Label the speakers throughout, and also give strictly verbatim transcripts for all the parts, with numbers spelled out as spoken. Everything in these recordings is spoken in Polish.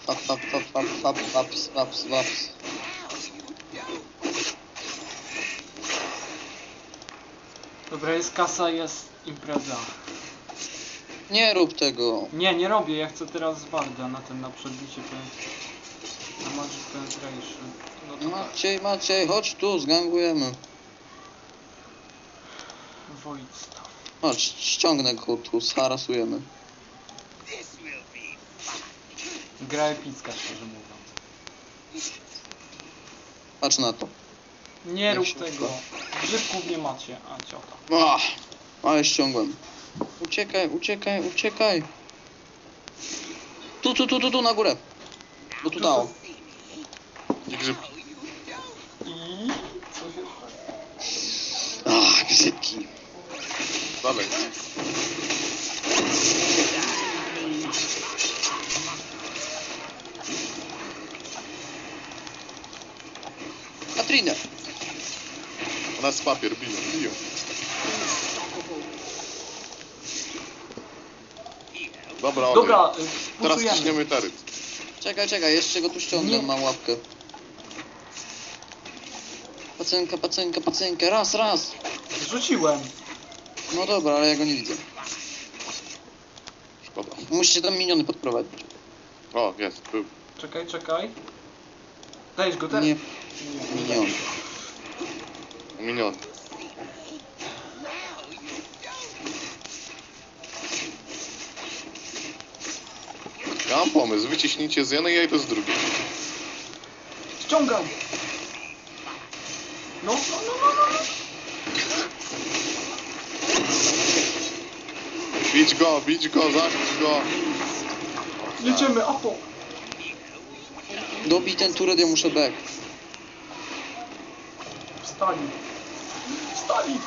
Speaker 1: Fap, fap, fap, fap, fap, faps, faps, faps.
Speaker 2: Dobra, jest kasa, jest impreza.
Speaker 1: Nie rób tego.
Speaker 2: Nie, nie robię, ja chcę teraz Warda na ten, na przebicie pen... na Magic Penetration. No to tak.
Speaker 1: Maciej, Maciej, chodź tu, zgangujemy.
Speaker 2: Void Staff.
Speaker 1: Chodź, ściągnę go tu, zharasujemy.
Speaker 2: Gra epicka, szczerze mówiąc.
Speaker 1: Patrz na to.
Speaker 2: Nie rób
Speaker 1: się
Speaker 2: tego. Grzybków nie macie, a ciota.
Speaker 1: Ach, ale ściągłem. Uciekaj, uciekaj, uciekaj. Tu, tu, tu, tu, tu, na górę. Bo tu dało.
Speaker 3: Nie grzyb.
Speaker 2: I co się
Speaker 1: Ach, grzybki.
Speaker 3: Dalej.
Speaker 1: Katrinę.
Speaker 3: U nas papier, biją, biją. Dobra, olej.
Speaker 2: Dobra, y,
Speaker 3: Teraz
Speaker 2: pusujemy.
Speaker 3: ciśniemy taryt.
Speaker 1: Czekaj, czekaj, jeszcze go tu ściągnę,
Speaker 2: Nie.
Speaker 1: mam łapkę. Pacynka, pacynka, pacynka, raz, raz.
Speaker 2: Rzuciłem.
Speaker 1: No dobra, ale ja go nie widzę.
Speaker 3: Szkoda.
Speaker 1: Musicie tam miniony podprowadzić.
Speaker 3: O, jest, był.
Speaker 2: Czekaj, czekaj. Dajesz go teraz?
Speaker 1: Nie, minion.
Speaker 3: Miniony. Ja mam pomysł, wyciśnijcie z jednej, ja idę z drugiej.
Speaker 2: Ściągam. No, no, no, no, no.
Speaker 3: Bić go, bić go, zabić go.
Speaker 2: Jedziemy, Apo.
Speaker 1: Dobij ten turet, ja muszę back.
Speaker 2: Wstali. Wstali.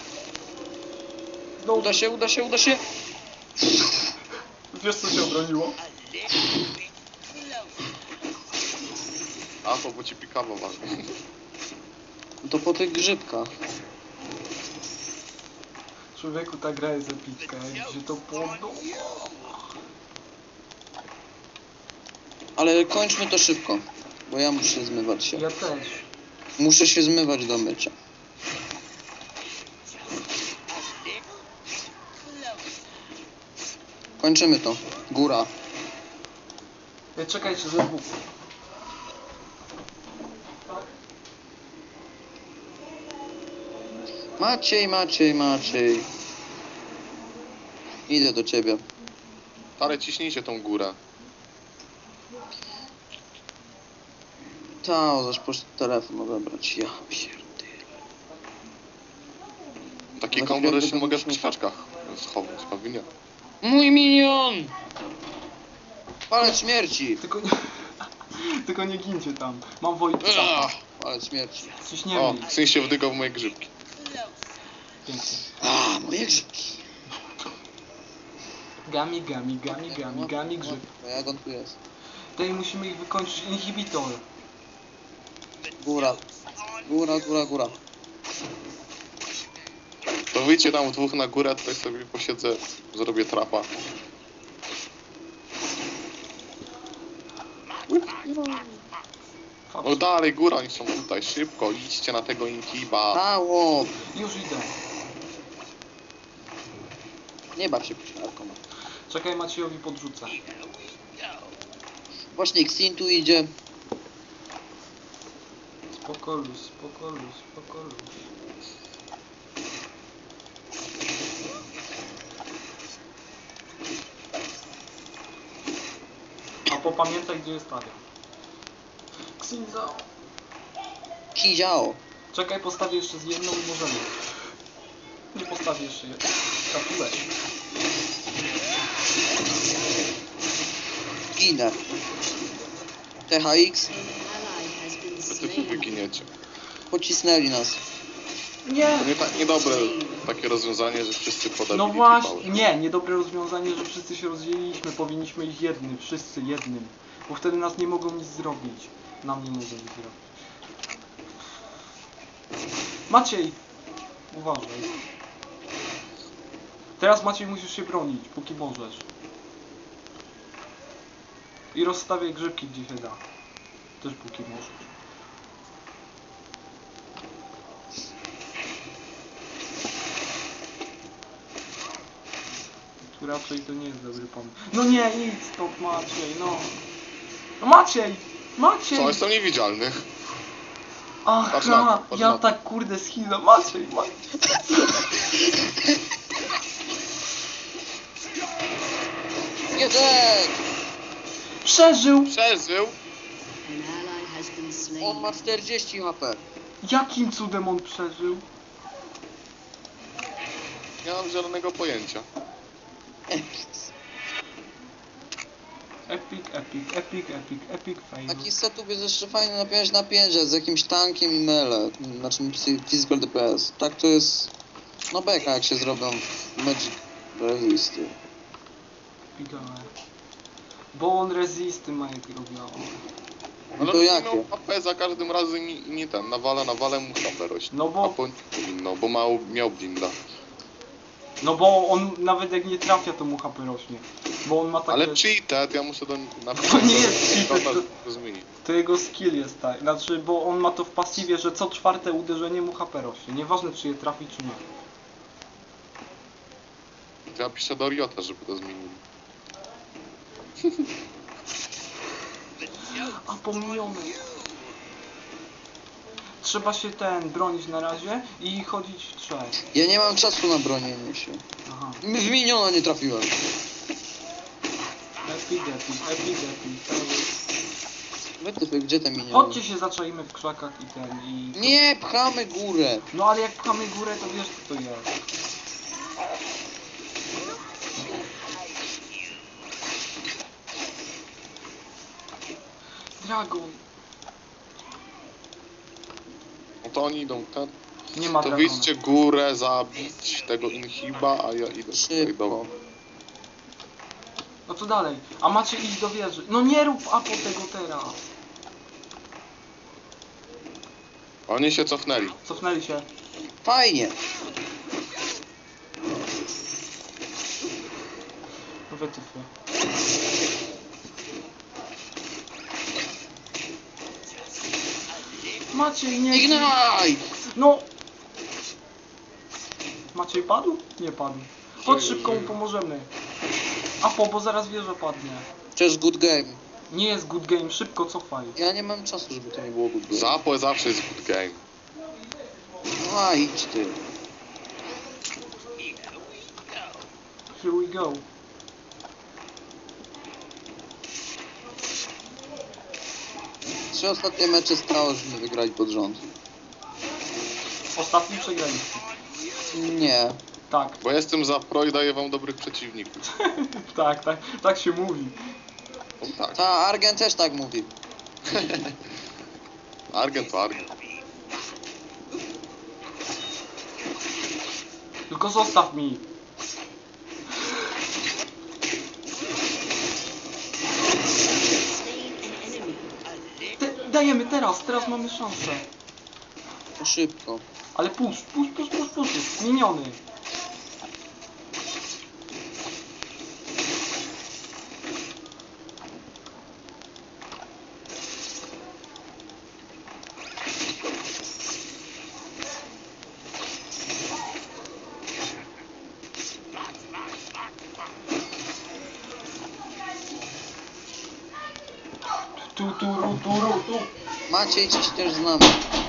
Speaker 2: No,
Speaker 1: Uda się, uda się, uda się.
Speaker 2: wiesz co się obroniło?
Speaker 3: A to bo ci pikawo ważne.
Speaker 1: To po tych grzybkach.
Speaker 2: Człowieku, ta gra jest epicka, jak się to podoba.
Speaker 1: Ale kończmy to szybko. Bo ja muszę zmywać się.
Speaker 2: Ja też.
Speaker 1: Muszę się zmywać do mycia. Kończymy to. Góra.
Speaker 2: Ej, czekajcie, ze dwóch.
Speaker 1: Maciej, Maciej, Maciej. Idę do ciebie.
Speaker 3: Ale ciśnijcie tą górę.
Speaker 1: Ta, zaś poszedł telefon odebrać. Ja pierdolę.
Speaker 3: Taki
Speaker 1: No,
Speaker 3: kombo, że
Speaker 1: jakby
Speaker 3: się
Speaker 1: to
Speaker 3: mogę w
Speaker 1: byśmy-
Speaker 3: krzaczkach schować, pewnie nie.
Speaker 1: Mój minion! Palec śmierci!
Speaker 2: Tylko nie... Tylko nie gincie tam. Mam Void
Speaker 1: Ach,
Speaker 2: Staffa.
Speaker 1: palec śmierci.
Speaker 2: Ciśniemy
Speaker 3: O,
Speaker 2: ich.
Speaker 3: syn się wdygał w moje grzybki.
Speaker 2: Pięknie.
Speaker 1: A, moje grzybki.
Speaker 2: Gami, gami, gami, gami, gami, grzyb.
Speaker 1: No jak on tu jest?
Speaker 2: Tutaj musimy ich wykończyć. Inhibitor.
Speaker 1: Góra. Góra, góra, góra.
Speaker 3: To wyjdźcie tam w dwóch na górę, tutaj sobie posiedzę, zrobię trapa. No dalej, góra, oni są tutaj, szybko, idźcie na tego inhiba.
Speaker 1: Stało!
Speaker 2: Już idę.
Speaker 1: Nie baw się psiarką.
Speaker 2: Czekaj, Maciejowi podrzucę.
Speaker 1: Właśnie Xin tu idzie.
Speaker 2: Spokolus, spokolus, spokolus. A popamiętaj, gdzie jest Talia. Xinzao.
Speaker 1: Kiziao.
Speaker 2: Czekaj, postawię jeszcze z jedną i możemy. Nie postawię jeszcze jedną. Trafiłeś.
Speaker 1: Ginę. T H X.
Speaker 3: Wy tu wyginiecie.
Speaker 1: Pocisnęli nas.
Speaker 2: Nie!
Speaker 3: To nie tak niedobre takie rozwiązanie, że wszyscy podali
Speaker 2: No właśnie, nie, niedobre rozwiązanie, że wszyscy się rozdzieliliśmy, powinniśmy iść jednym, wszyscy jednym, bo wtedy nas nie mogą nic zrobić, nam nie mogą nic zrobić. Maciej! Uważaj. Teraz Maciej musisz się bronić, póki możesz. I rozstawiaj grzybki gdzie się da. Też póki możesz. Tu raczej to nie jest dobry pomysł. No nie, idź stąd Maciej, no. No Maciej! Maciej!
Speaker 3: Co, jestem niewidzialny.
Speaker 2: Ach,
Speaker 3: Patrz na to, patrz
Speaker 2: ja
Speaker 3: na to.
Speaker 2: tak kurde schizę. Maciej, Maciej.
Speaker 1: Jeden!
Speaker 2: Przeżył!
Speaker 3: Przeżył.
Speaker 4: An ally has been slain.
Speaker 1: On ma czterdzieści H P.
Speaker 2: Jakim cudem on przeżył?
Speaker 3: Nie mam zielonego pojęcia.
Speaker 2: Epic, epic, epic, epic, epic fail.
Speaker 1: Taki setup jest jeszcze fajny napiąć na pięcie z jakimś tankiem i mele. Znaczy physical D P S. Tak to jest... No beka jak się zrobią Magic Resisty.
Speaker 2: Epic, ale... Bo on resisty ma jak robiło.
Speaker 1: No
Speaker 3: Ale
Speaker 1: to
Speaker 3: on
Speaker 1: jakie?
Speaker 3: minął A P za każdym razem i nie ten, nawala, nawala mu H P rośnie.
Speaker 2: No bo-
Speaker 3: A po nie powinno, bo miał, miał blinda.
Speaker 2: No bo on nawet jak nie trafia to mu H P rośnie. Bo on ma takie...
Speaker 3: Ale cheated, ja muszę do napisać.
Speaker 2: To nie jest cheated,
Speaker 3: to,
Speaker 2: to-
Speaker 3: to zmieni.
Speaker 2: To jego skill jest tak. Znaczy, bo on ma to w pasywie, że co czwarte uderzenie mu H P rośnie. Nieważne czy je trafi czy nie.
Speaker 3: To ja piszę do Riota, żeby to zmienił.
Speaker 2: A pominiony. Trzeba się ten bronić na razie i chodzić w trzech.
Speaker 1: Ja nie mam czasu na bronienie się.
Speaker 2: Aha.
Speaker 1: W miniona nie trafiłem.
Speaker 2: Epic, epic, epic, epic.
Speaker 1: Wytyfy, gdzie te miniony?
Speaker 2: Chodźcie się zaczajmy w krzakach i ten i...
Speaker 1: Nie, pchamy górę.
Speaker 2: No ale jak pchamy górę to wiesz co to jest. Dragon.
Speaker 3: No to oni idą ten.
Speaker 2: Nie ma
Speaker 3: To
Speaker 2: dragona.
Speaker 3: wyjdźcie górę, zabić tego inhiba, a ja idę tutaj
Speaker 1: Szybko.
Speaker 3: do...
Speaker 2: No to dalej. A macie iść do wieży. No nie rób apo tego teraz.
Speaker 3: Oni się cofnęli.
Speaker 2: Cofnęli się.
Speaker 1: Fajnie.
Speaker 2: No wytyfy. Maciej, nie...
Speaker 1: Ignite!
Speaker 2: No! Maciej padł? Nie padł. Chodź
Speaker 3: Żyje,
Speaker 2: szybko mu
Speaker 3: żyje.
Speaker 2: pomożemy. Apo, bo zaraz wieża padnie.
Speaker 1: Przecież good game.
Speaker 2: Nie jest good game, szybko cofaj.
Speaker 1: Ja nie mam czasu, żeby to nie było good game.
Speaker 3: Zapo zawsze jest good game.
Speaker 1: No a idź ty.
Speaker 2: Here we go.
Speaker 1: Trzy ostatnie mecze stało, żeśmy wygrali pod rząd.
Speaker 2: Ostatni przegraliście.
Speaker 1: Nie.
Speaker 2: Tak,
Speaker 3: Bo jestem za pro i daję wam dobrych przeciwników.
Speaker 2: tak, tak, tak się mówi.
Speaker 3: No tak.
Speaker 1: Ta Argen też tak mówi.
Speaker 3: Argent to Argent.
Speaker 2: Tylko zostaw mi.
Speaker 4: Slain an enemy.
Speaker 2: Te, dajemy teraz, teraz mamy szansę.
Speaker 1: To szybko.
Speaker 2: Ale push, push, push, push, push. Miniony. Tu, tu, ru, tu, ru, tu.
Speaker 1: Maciej dziś też znam.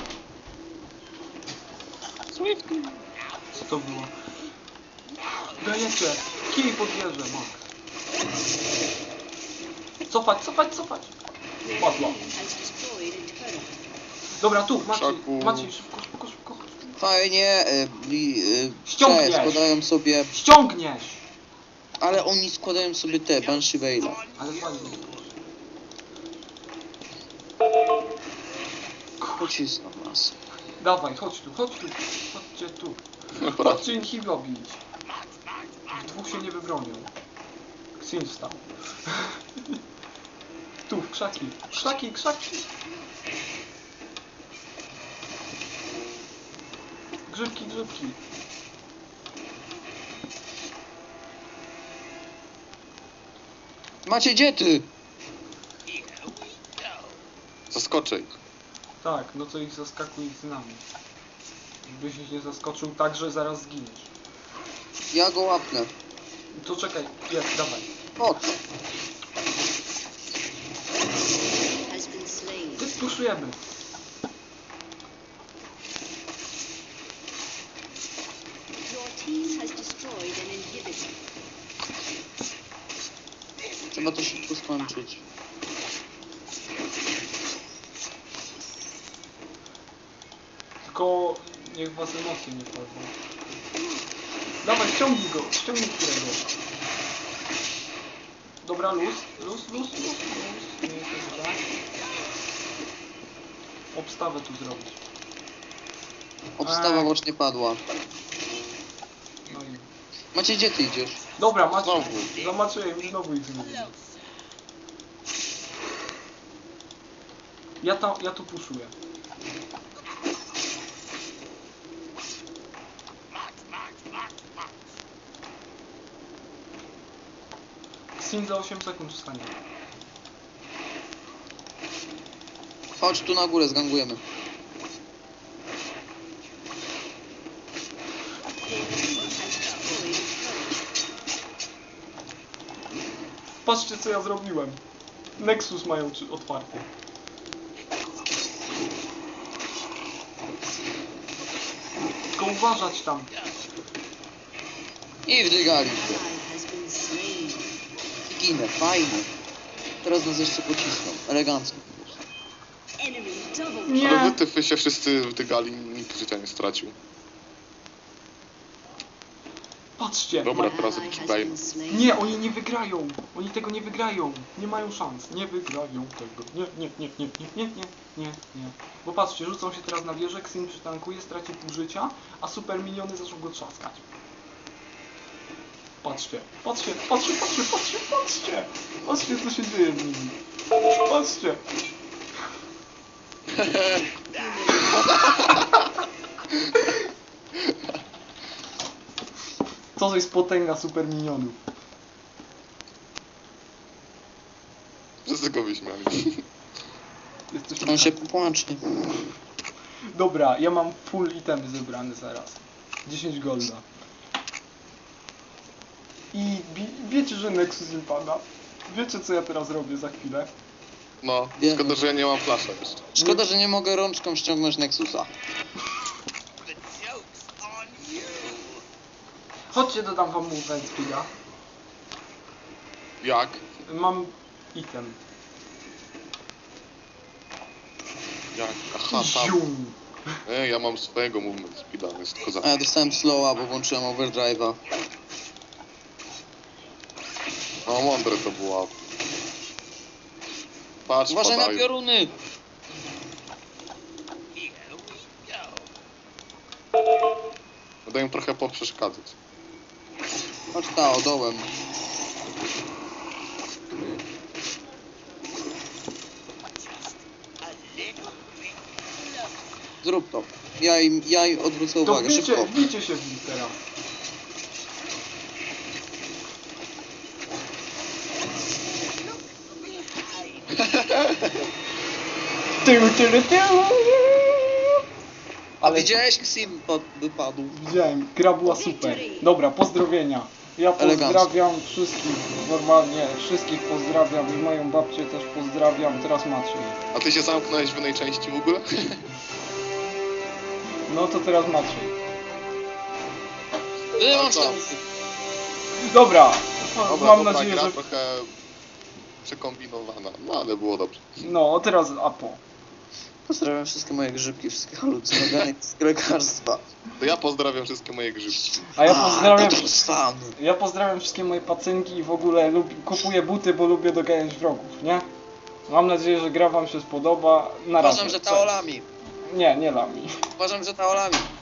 Speaker 2: Co to było? Dajecie. Kij pod wieżę, mak. Cofać, cofać, cofać. Padła.
Speaker 4: Has destroyed a turret.
Speaker 2: Dobra, tu, Maciej,
Speaker 3: Szaku.
Speaker 2: Maciej, szybko, szybko, szybko.
Speaker 1: Fajnie, y, li, y,
Speaker 2: Ściągniesz.
Speaker 1: te składają sobie,
Speaker 2: Ściągniesz!
Speaker 1: ale oni składają sobie te, Banshee Veila.
Speaker 2: Ale fajnie.
Speaker 1: Pocisną nas.
Speaker 2: Dawaj, chodź tu, chodź tu, chodźcie tu.
Speaker 3: Dobra.
Speaker 2: Chodźcie inhiba bić. W dwóch się nie wybronią. Xin wstał. Tu, w krzaki, krzaki, krzaki. Grzybki, grzybki.
Speaker 1: Macie gdzie ty?
Speaker 3: Zaskoczę ich.
Speaker 2: Tak, no to ich zaskakuj ich z nami. Żebyś ich nie zaskoczył tak, że zaraz zginiesz.
Speaker 1: Ja go łapnę.
Speaker 2: To czekaj, jest, dawaj.
Speaker 1: Po co?
Speaker 4: Has been slain.
Speaker 2: Ty puszujemy.
Speaker 4: Your team has destroyed an inhibitor.
Speaker 1: Trzeba to szybko skończyć.
Speaker 2: Tylko niech was emocje nie wchodzą. Dawaj, ściągnij go, ściągnij którego. Dobra, luz, luz, luz, luz, luz. Nie jest tak źle. Obstawę tu zrobić.
Speaker 1: Obstawa
Speaker 2: Ej.
Speaker 1: bocznie padła.
Speaker 2: No i...
Speaker 1: Macie, gdzie ty idziesz?
Speaker 2: Dobra, macie.
Speaker 3: Znowu.
Speaker 2: Zamaczyłem i znowu ich zmieniłem. Ja, tam, ja tu puszuję. Sin za osiem sekund wstanie.
Speaker 1: Chodź tu na górę, zgangujemy.
Speaker 4: Your team has destroyed a turret.
Speaker 2: Patrzcie co ja zrobiłem. Nexus mają czy- otwarty. Tylko uważać tam.
Speaker 1: I wdygali.
Speaker 4: Ally has been slain.
Speaker 1: Ginę, fajnie. Teraz nas jeszcze pocisną. Elegancko.
Speaker 4: Enemy double
Speaker 2: Nie.
Speaker 3: Ale wy tyfy się wszyscy wdygali, nikt życia nie stracił.
Speaker 2: Patrzcie.
Speaker 3: Dobra,
Speaker 2: Ma...
Speaker 3: teraz
Speaker 4: ally has
Speaker 3: obczajmy.
Speaker 4: been slain.
Speaker 2: Nie, oni nie wygrają. Oni tego nie wygrają. Nie mają szans. Nie wygrają tego. Nie, nie, nie, nie, nie, nie, nie, nie, nie. Bo patrzcie, rzucą się teraz na wieżę, Xin przytankuje, straci pół życia, a super miniony zaczną go trzaskać. Patrzcie, patrzcie, patrzcie, patrzcie, patrzcie, patrzcie! Patrzcie co się dzieje z nimi. Patrzcie. To jest potęga super minionów.
Speaker 3: Wszyscy go wyśmiali.
Speaker 2: Jesteś
Speaker 1: On się popłacze.
Speaker 2: Dobra, ja mam full itemy zebrane zaraz. dziesięć golda. I bi- wiecie, że Nexus im pada. Wiecie co ja teraz robię za chwilę?
Speaker 3: No,
Speaker 1: Wiemy.
Speaker 3: szkoda, że ja nie mam flasza jeszcze.
Speaker 1: Szkoda, że nie mogę rączką ściągnąć Nexusa.
Speaker 2: Chodźcie, dodam wam movement speeda.
Speaker 3: Jak?
Speaker 2: Mam item.
Speaker 3: Jak? Aha, tam.
Speaker 2: Zium.
Speaker 3: E, ja mam swojego movement speeda, jest tylko za...
Speaker 1: A ja dostałem slowa, bo włączyłem overdrive'a.
Speaker 3: No, mądre to było. Patrz,
Speaker 1: Uważaj na
Speaker 3: padają.
Speaker 1: pioruny!
Speaker 3: Będę im trochę poprzeszkadzać.
Speaker 1: Chodź ta, dołem. Zrób to. Ja im, ja im odwrócę
Speaker 2: To
Speaker 1: uwagę,
Speaker 2: wbijcie,
Speaker 1: szybko.
Speaker 2: wbijcie się w nich teraz. Tył, tył, tył.
Speaker 1: A
Speaker 2: Ale
Speaker 1: widziałeś, Xim pod, wypadł.
Speaker 2: widziałem, gra była super. Dobra, pozdrowienia. Ja
Speaker 1: Elegancko.
Speaker 2: pozdrawiam wszystkich, normalnie wszystkich pozdrawiam i moją babcię też pozdrawiam, teraz Maciej.
Speaker 3: A ty się zamknąłeś w innej części w ogóle?
Speaker 2: No to teraz Maciej.
Speaker 1: Wyłącz
Speaker 3: A co?
Speaker 1: tę
Speaker 2: Dobra,
Speaker 3: Dobra,
Speaker 2: mam
Speaker 3: dobra,
Speaker 2: nadzieję,
Speaker 3: gra
Speaker 2: że...
Speaker 3: trochę przekombinowana, no ale było dobrze.
Speaker 2: No, teraz Apo.
Speaker 1: Pozdrawiam wszystkie moje grzybki, wszystkie halucynogeny z lekarstwa.
Speaker 3: To ja pozdrawiam wszystkie moje grzybki.
Speaker 2: A ja pozdrawiam...
Speaker 1: to stan.
Speaker 2: Ja pozdrawiam wszystkie moje pacynki i w ogóle lubię, kupuję buty, bo lubię doganiać wrogów, nie? Mam nadzieję, że gra wam się spodoba. Na razie.
Speaker 1: Uważam, że
Speaker 2: Cześć.
Speaker 1: taolami.
Speaker 2: Nie, nie lami.
Speaker 1: Uważam, że taolami.